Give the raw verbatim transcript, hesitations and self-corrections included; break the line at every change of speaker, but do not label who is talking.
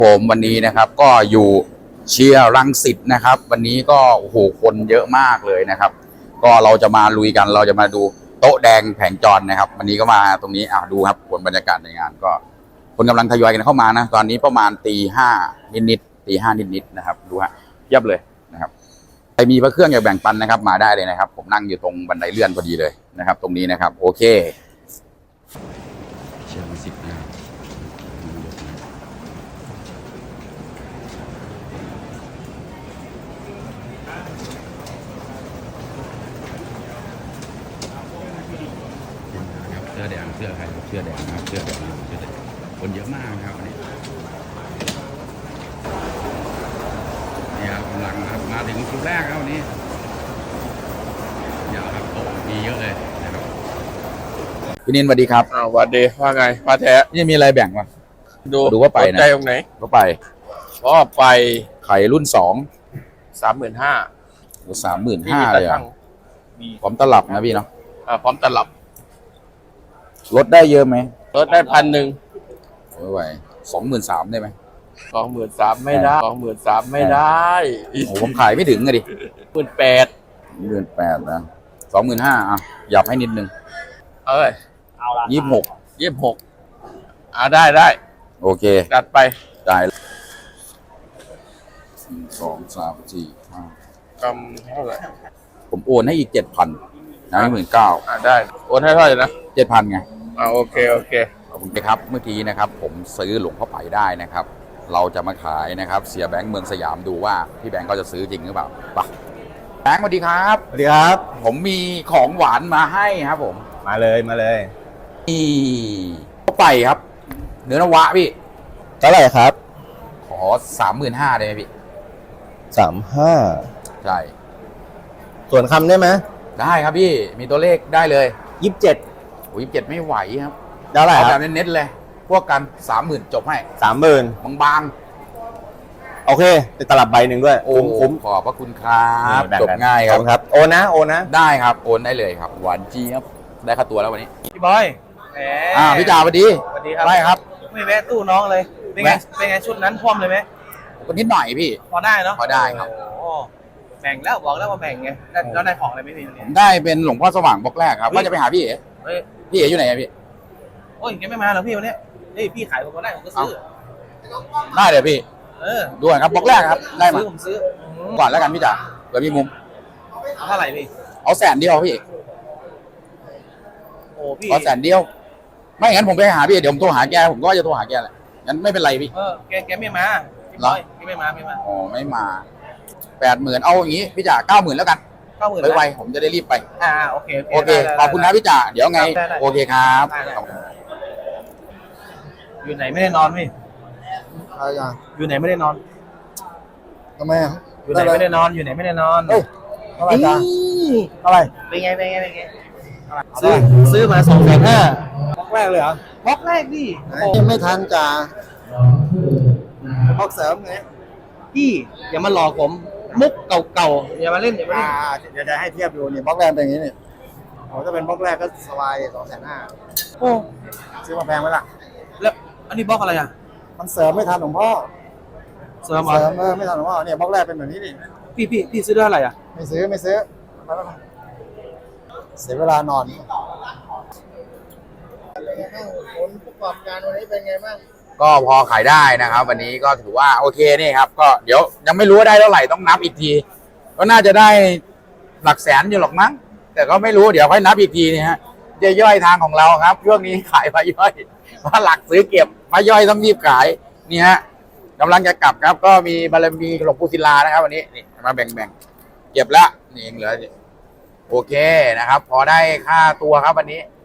ผมวันนี้นะครับก็อยู่เชียร์รังสิตนะครับวันนี้ก็โอ้โหคนเยอะมากเลยนะครับก็เราจะมาลุยกันเราจะมาดูโต๊ะแดงแผงจรนะครับวันนี้ก็มาตรงนี้อ่าดูครับผลบรรยากาศในงานก็คนกำลังทยอยกันเข้ามานะตอนนี้ประมาณตีห้านิดๆตีห้านิดๆนะครับดูฮะเยียบเลยนะครับใครมีพระเครื่องอยากแบ่งปันนะครับมาได้เลยนะครับผมนั่งอยู่ตรงบันไดเลื่อนพอดีเลยนะครับตรงนี้นะครับโอเคเชียร์รังสิตนะครับเสื้อแดงเสื้อใครเสื้อแดงนะครับเสื้อแดงเสื้อแดงคนเยอะมากครับวันนี้นี่ครับกำลังครับมาถึงคิวแรกครับวันนี้เดี๋ยวครับโต๊ะมีเยอะเลยนะครับพี่นินสวัสดีครับ
อ้าววันดีว่าไงพาแท้
นี่มีอะไรแบ่งมั้ง
ดู
ดูว่าไปนะ
ใจตรงไหน
ก็ไป
ก็ไป
ไข่รุ่นสอง
สามหมื่นห้า
สามหมื่นห้าเลยอ่ะพร้อมตลับนะพี่เนาะ
อ่าพร้อมตลับ
ลดได้เยอะไหม
ลดได้พันหนึ่ง
ไม่ไหวสองหมื่นสามได้ไหม
สองหมื่นสามไม่ได้สองหมื่นสามไม่ได้
โอ้โหผมขายไม่ถึงอะดิ
หมื่นแปด
หมื่นแปดนะสองหมื่นห้าอ่ะหยับให้นิดนึง
เอ้ย
ยี่สิบหก
ยี่สิบหกอ่าได้ได้
โอเค
จัดไป
ได้สองสามสี่ห้าก
ำเท่าไหร่
ผมโอนให้อีกเจ็ดพันนะหมื่นเก้า
อ่าได้โอนให้เท่าไหร่นะ
เจ็ดพันไง
อ่าโอเคโอเค
ขอบคุณครับเมื่อกี้นะครับผมซื้อหลวงพ่อไปได้นะครับเราจะมาขายนะครับเสียแบงค์เมืองสยามดูว่าพี่แบงค์เขาจะซื้อจริงหรือเปล่าปะแบงค์สวัสดีครับ
สวัสดีครับ
ผมมีของหวานมาให้ครับผม
มาเลยมาเลย
นี่พ่อไปครับเนื้อนวะพี่
เท่าไหร่ครับ
ขอสามหมื่นห้าได้ไหมพี่
สามห้า
ใช่
ส่วนคำได้ไหม
ได้ครับพี่มีตัวเลขได้เลย
ยี่สิบเจ็ด
โอ้ยยี่สิบเจ็ดไม่ไหวครับ
เท่าไหร่ครับ
แบบเน้นๆเลยพวกกันสามหมื่นจบให้
สามหมื่น
บาง
ๆโอเคติดตลับใบหนึ่งด้วย
โอ้คุ้มขอบพระคุณครับจบง่ายครับ
ครับโอนนะโอนนะ
ได้ครับโอนได้เลยครับหวานจีครับได้ค่าตัวแล้ววันนี้
พี่บอยแหม
อ่าพี่จ่าสวัสดี
สวัสดีครับ
ได้ครับ
ไม่แวะตู้น้องเลยเป็นไงเป็นไงชุดนั้นท่วมเลยไหม
ก็นิดหน่อยพี่
พอได้เนาะ
พอได้ครับ
แบ่งแล้วบอกแล้วว่าแบ่งไงแล้วได้ของอะไรไม่มีเนี่ย
ได้เป็นหลวงพ่อสว่างบล็อกแรกครับว่าจะไปหาพี่เอ๋พี่เอ๋อยู่ไหนพี่
โอ้ยแกไม่มาหรอพี่วันนี้เฮ้ยพี่ขายผมก็ได้ผมก็ซื้อ
ได้เดี๋ยวพี่
เออ
ด้วยครับบล็อกแรกครับได้มา
ผมซื้อ
ก่อนแล้วกันพี่จ๋าเดี๋ยวมีมุม
เอาเท่าไหร่พี่
เอาแสนเดียวพี่
โอ้พี่
เอาแสนเดียวไม่งั้นผมไปหาพี่เดี๋ยวผมโทรหาแกผมก็จะโทรหาแกแหละงั้นไม่เป็นไรพี่
เออแกแกไม่มาพี่บอยแกไม่มาไม่มา
อ๋อไม่มาแปดหมื่นเอาอย่างนี้พี่จ๋าเก้าหมื่นแล้วกัน
เก้าหมื่น
ไวๆผมจะได้รีบไป
อ่าโอเค
โอเคขอบคุณนะพี่จ๋าเดี๋ยวไงโอเคครับ
อยู่ไหนไม่ได้นอนพี่
อะไรอ่ะ
อยู่ไหนไม่ได้นอน
ทำไมอ่ะ
อยู่ไหนไม่ได้นอนอยู่ไหนไม่ได้นอน
เฮ้ยเท่าไหร่จ้าเท่าไหร่
เป็นไงเป็นไงเป็นไงซื้อซื้อมาสองแสนห้า
บล็อกแรกเลยเหร
อบล็อกแรกดิ
ยังไม่ทันจ้าบล็อกเสริมไง
พี่อย่ามาหลอกผมมุกเก่าๆอย่ามาเล่นอย่ามาเล่น
เดี๋ยวจะให้เทียบดูนี่บล็อกแรกเป็นอย่างนี้นี่โอ้ถ้าเป็นบล็อกแรกก็สบายสองแสนห้า
โอ้
ซื้อมาแพงไหมล่ะ
แล้วอันนี้บล็อกอะไรอ่ะ
มันเสริมไม่ทันหลวงพ่อ
เสริม
เสริมเออไม่ทันหลวงพ่อเนี่ยบล็อกแรกเป็นแบบนี้นี่
พี่พี่พี่ซื้อได้อะไรอ่ะ
ไม่ซื้อไม่ซื้อเสียเวลานอนผลประกอบการวันนี้เป็นไงบ้าง
ก็พอขายได้นะครับวันนี้ก็ถือว่าโอเคนี่ครับก็เดี๋ยวยังไม่รู้ว่าได้เท่าไหร่ต้องนับอีกทีก็น่าจะได้หลักแสนอยู่หรอกมั้งแต่ก็ไม่รู้เดี๋ยวค่อยนับอีกทีนี่ฮะจะย่อยทางของเราครับช่วงนี้ขายพาย่อยเพราะหลักซื้อเก็บพาย่อยต้องรีบขายนี่ฮะกำลังจะกลับครับก็มีบารมีหลวงปู่ศิลานะครับวันนี้นี่มาแบ่งๆเก็บละนี่เองเหลือโอเคนะครับพอได้ค่าตัวครับวันนี้